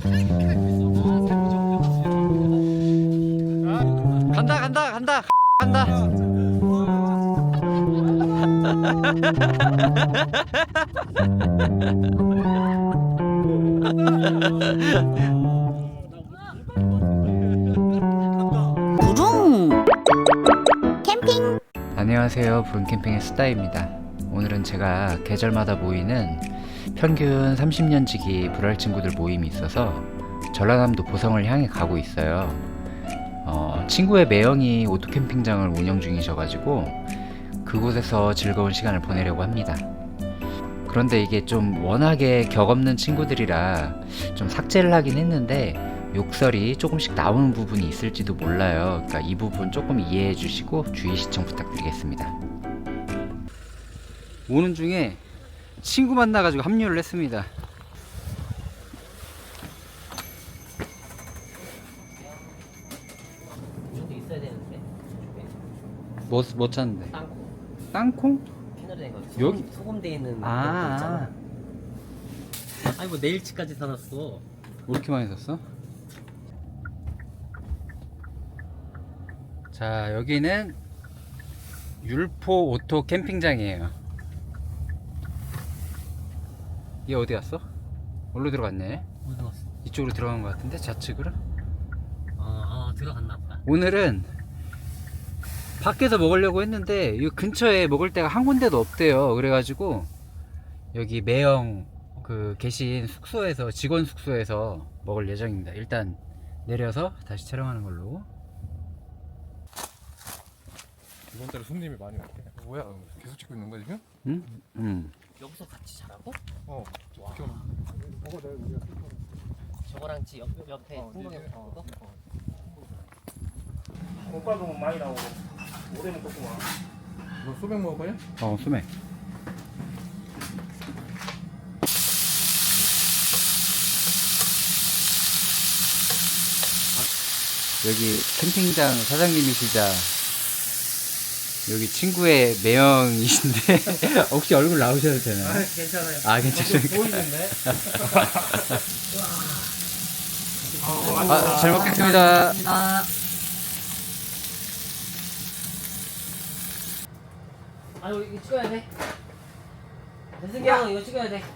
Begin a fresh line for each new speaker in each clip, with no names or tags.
간다 간다 간다 간다.
부릉 캠핑.
안녕하세요, 부릉캠핑의 스타입니다. 오늘은 제가 계절마다 모이는 평균 30년 지기 불알 친구들 모임이 있어서 전라남도 보성을 향해 가고 있어요. 친구의 매형이 오토캠핑장을 운영 중이셔가지고 그곳에서 즐거운 시간을 보내려고 합니다. 그런데 이게 좀 워낙에 격없는 친구들이라 좀 삭제를 하긴 했는데 욕설이 조금씩 나오는 부분이 있을지도 몰라요. 그러니까 이 부분 조금 이해해 주시고 주의 시청 부탁드리겠습니다. 오는 중에 친구 만나가지고 합류를 했습니다.
이것도 있어야 되는데.
뭐 찾는데?
땅콩.
땅콩?
패널에 거.
여기?
소금돼 있는 거
아,
있잖아. 아니 뭐 내일치까지 사놨어.
왜 이렇게 많이 샀어? 자, 여기는 율포 오토 캠핑장이에요. 얘 어디 갔어? 어디로 들어갔네?
어디 갔어?
이쪽으로 들어간 것 같은데, 좌측으로?
들어갔나 보다.
오늘은 밖에서 먹으려고 했는데 이 근처에 먹을 데가 한 군데도 없대요. 그래가지고 여기 매형 계신 숙소에서, 직원 숙소에서 먹을 예정입니다. 일단 내려서 다시 촬영하는 걸로.
이번 달에 손님이 많이 왔대. 뭐야? 계속 찍고 있는 거야 지금?
응? 응.
여기서 같이 자라고?
지금
저거랑 옆에 풍경이 그거?
오빠도 많이 나오고 오래 먹었구만.
너 소맥 먹을 거냐?
소맥. 여기 캠핑장 사장님이시자 여기 친구의 매형이신데 혹시 얼굴 나오셔도 되나요?
괜찮아요.
아, 괜찮습니까?
보이는데?
잘 먹겠습니다.
아유 이거 찍어야 돼. 대승이 형 이거 찍어야 돼.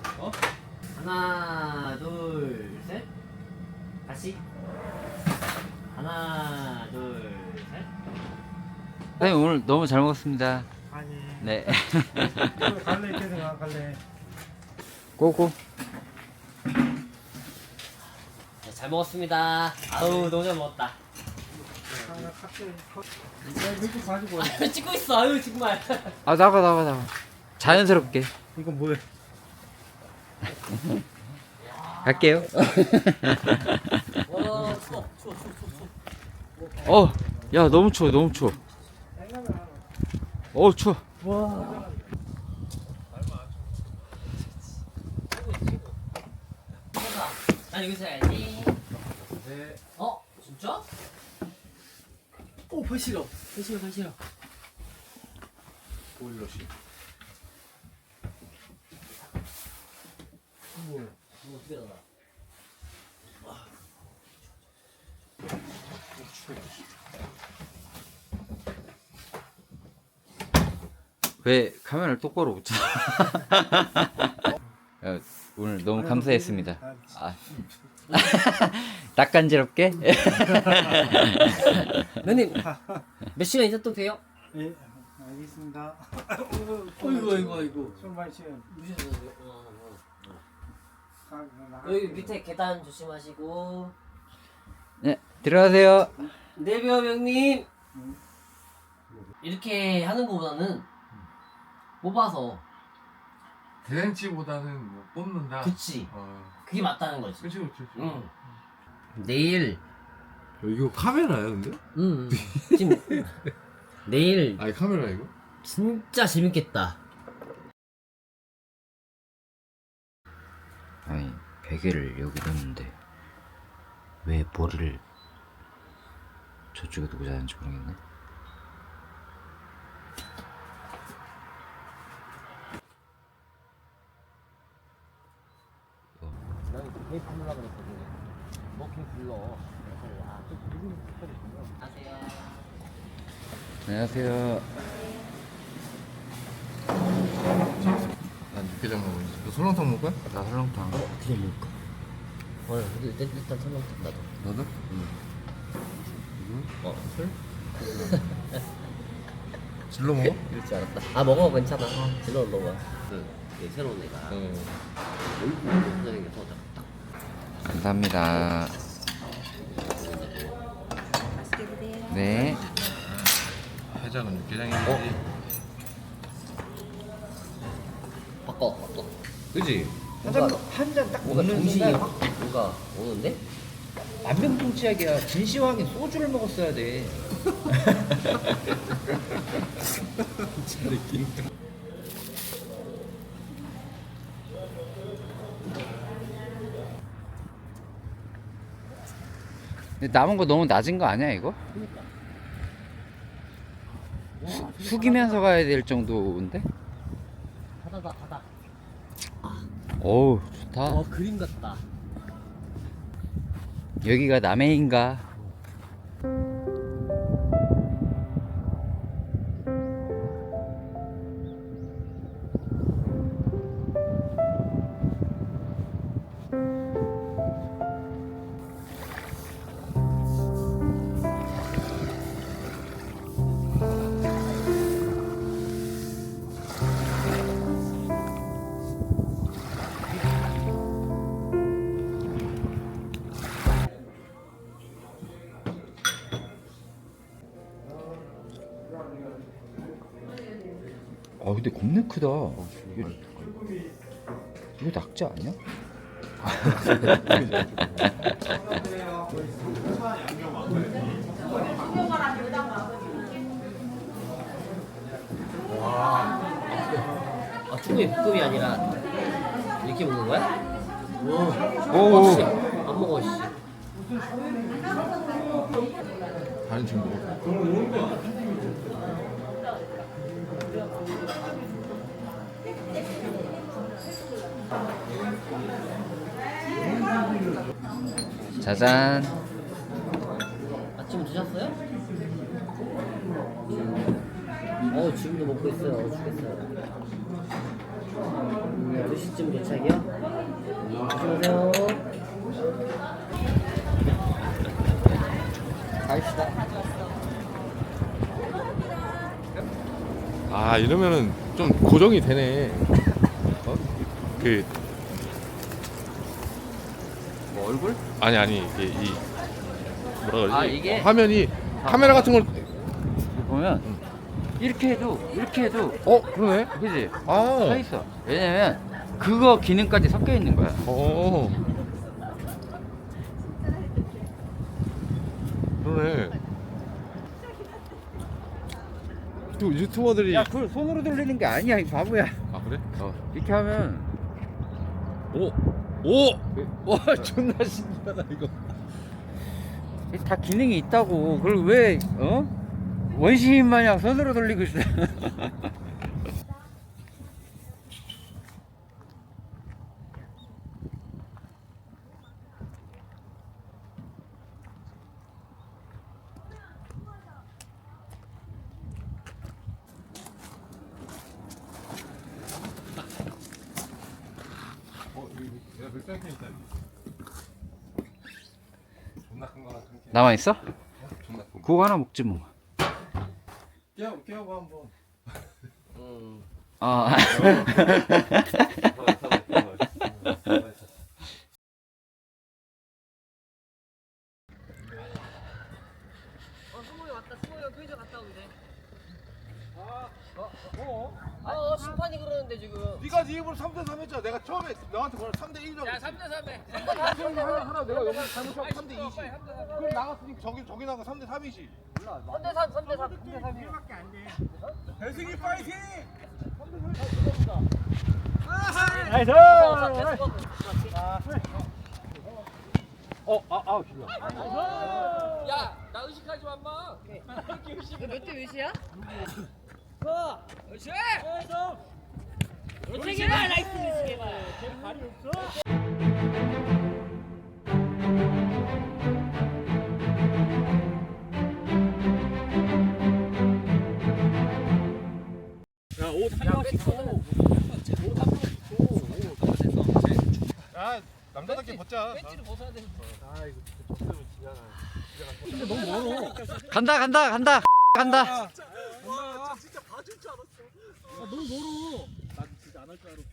하나 둘 셋. 다시. 하나 둘 셋.
네, 오늘 너무 잘 먹었습니다.
아니.
네.
갈래 계속 갈래.
고고.
네, 잘 먹었습니다. 아우 너무 잘 먹었다.
하나 칵테일. 이거 가지고.
찍고 있어. 아유 정말.
아, 나가. 자연스럽게.
이거 뭐야?
갈게요.
와 추워.
야, 너무 추워. 추워.
와.
아니 여기서 해야지. 진짜? 오 발시려.
보일러시.
이거 어떻게 알아?
왜 카메라를 똑바로 못 쳐? 야, 오늘 너무 감사했습니다. 아. 낯간지럽게?
형님 몇 시간 있다 또 봬요?
예. 알겠습니다.
아이고.
술 마시면
무시하세요. 여기 밑에 계단 조심하시고.
네, 들어가세요.
네비엄 형님. 이렇게 하는 거보다는 뽑아서.
대행치보다는 뭐 뽑는다.
그치. 그게 맞다는 거지.
그치.
응. 내일.
이거 카메라야 근데?
응. 지금 내일
아니 카메라 이거?
진짜 재밌겠다.
아니, 베개를 여기 뒀는데 왜 머리를 저쪽에 두고 자는지 모르겠네.
난 테이프 하려고 그랬거든. 그냥 불러. 안녕하세요.
안녕하세요.
난 육개장 먹고 있어. 너 설렁탕 먹을 거야?
나 설렁탕.
그냥 먹을까? 일단 설렁탕 나도.
너도?
술?
질러 먹어?
이럴 줄 알았다. 아 먹어 괜찮아. 질러 먹어. 새로운 애가 얼굴 생겨서 딱
감사합니다.
맛있게 드세요.
네.
해장은 육개장이지.
바꿔.
그지?
뭔가-
한잔딱
뭔가
먹는
정신이
순간
확 뭔가 오는데?
만병통치약이야. 진시황이 소주를 먹었어야 돼. 근데 남은 거 너무 낮은 거 아니야 이거? 숙이면서 가야 될 정도인데?
바다.
어우 좋다.
그림 같다.
여기가 남해인가? 아 근데 겁나 크다. 이거 낙지 아니야?
아 충분히 볶음이 아니라 이렇게 먹는 거야?
오.
씨. 안 먹어 씨.
다른 친구 먹어.
짜잔.
아침 드셨어요? 지금도 먹고 있어요. 죽겠어요. 2시쯤 도착이요? 안녕하세요.
갑시다.
아 이러면은 좀 고정이 되네. 어? 그
뭐 얼굴?
아니 이게 이 뭐라 그러지?
아, 이게?
화면이 카메라 같은 걸
보면 이렇게 해도
그러네.
그지? 서
아.
있어. 왜냐면 그거 기능까지 섞여 있는 거야.
그러네. 또 유튜버들이
야, 그걸 손으로 돌리는 게 아니야, 이 바보야.
아 그래?
이렇게 하면
오! 와 존나 신기하다 이거.
다 기능이 있다고. 그걸 왜 원시인 마냥 손으로 돌리고 있어.
내가 맥주 있다. 존나 큰 거랑 큰 캔.
남아 있어?
존나 큰 거.
그거 하나 먹지 뭐.
깨워봐 한번.
아.
승모이 왔다. 승모이가 편의점 갔다 오게 돼.
심판이 그러는데 지금.
네가 네 입으로 3대3 했잖아. 내가 처음에 너한테 뭐라 3대1점.
야, 3대3해.
하나 내가 여기 잘못하고 3대2지. 그럼 나갔으니까 저기 나가 3대3이지.
3대3.
배승이 파이팅!
나이스.
야, 나 의식하지 마, 인마. 몇대 몇이야? 그렇지. 그렇지. 개발 나이스 개발. 발이 없어.
야 남자답게 벗자.
배지를 벗어야 돼.
아 이거 벗으면 지잖아. 너무 멀어.
간다 간다 간다 간다.
와 진짜 봐줄 줄 알았어. 아, 너무 멀어. 난 진짜 안 할 줄 알았어.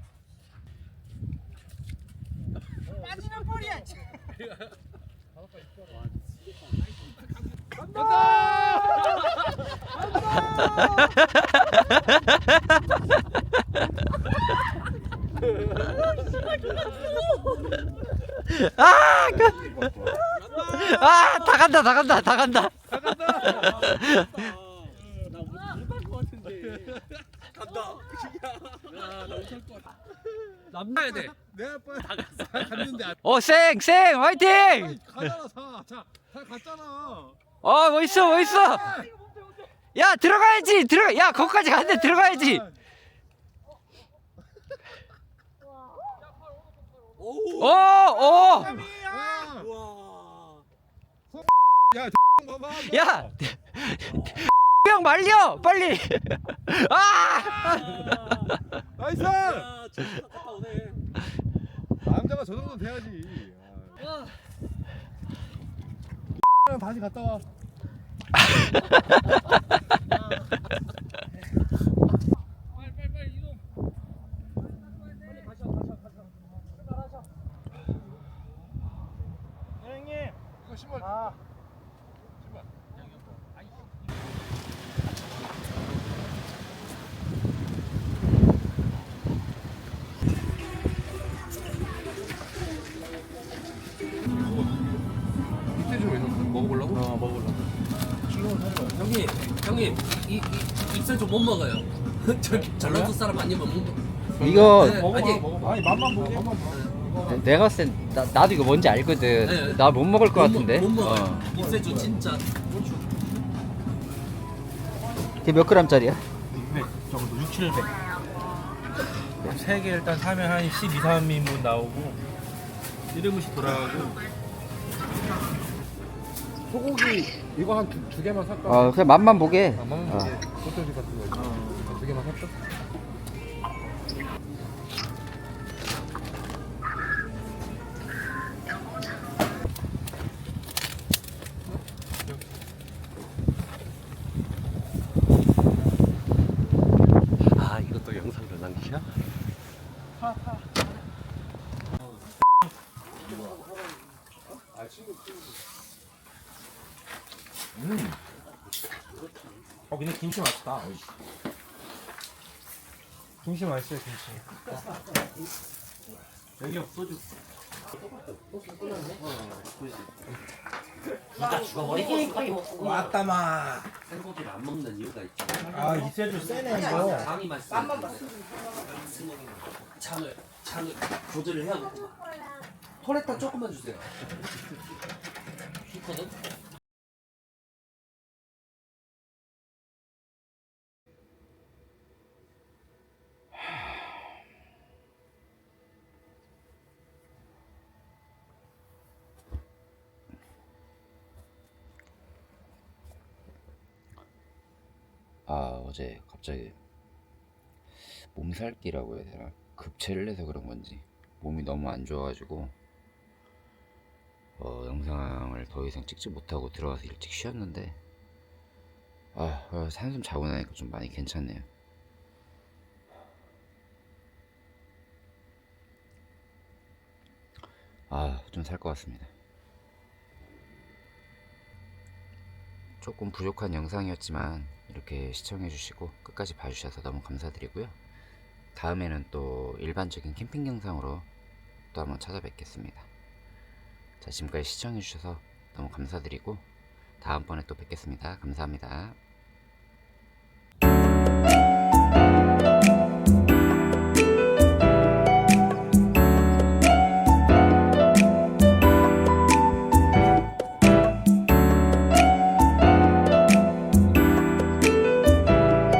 빠지는 볼이야.
다 간다 다 간다 다 간다.
남나야 돼.
내 아빠 갔는데
쌩 화이팅.
가잖아 사 갔잖아.
멋있어 멋있어. 야 들어가야지 들어가. 야 거기까지 갔는데 들어가야지. 오.
야 봐봐.
야 형 말려 빨리.
나이스. 남자가 저 정도 돼야지. 다시 갔다 와.
빨리 이동.
이거 신발. 신발. 밑에 좀 해서 먹어보려고? 먹어보려고.
형님 이 입술 좀 못 먹어요. 전라도 사람 아니면 못 먹어.
이거
네, 아니
먹어봐. 아니 맛만 보고 맛만 보고.
내가 봤을 땐 나도 이거 뭔지 알거든.
네.
나 못 먹을 것 같은데.
못 먹어요. 입새주 진짜.
걔 몇 그램짜리야?
600 정도 6, 700 3개 일단 사면 한 12, 3인분 나오고 1인분씩 돌아가고
소고기 이거 한 두 개만 살까?
그냥 맛만 보게.
맛만 보게. 소세지 같은 거. 두 개만 살까?
아 이것도 영상으로 남기셔?
근데 김치 맛있다. 김치 맛있어요, 김치. 여기 소주.
둘다 죽어버리겠어.
왔다마.
생고기를 안 먹는 이유가 있죠.
아, 이 소주 세네 이거.
장이 맛있어. 장을 조절을 해야 되고. 토레타 조금만 주세요. 좋거든.
어제 갑자기 몸살기라고 해야 되나? 급체를 해서 그런 건지 몸이 너무 안 좋아가지고 영상을 더 이상 찍지 못하고 들어가서 일찍 쉬었는데 한숨 자고 나니까 좀 많이 괜찮네요. 좀 살 것 같습니다. 조금 부족한 영상이었지만 이렇게 시청해주시고 끝까지 봐주셔서 너무 감사드리고요. 다음에는 또 일반적인 캠핑 영상으로 또 한번 찾아뵙겠습니다. 자, 지금까지 시청해주셔서 너무 감사드리고 다음번에 또 뵙겠습니다. 감사합니다.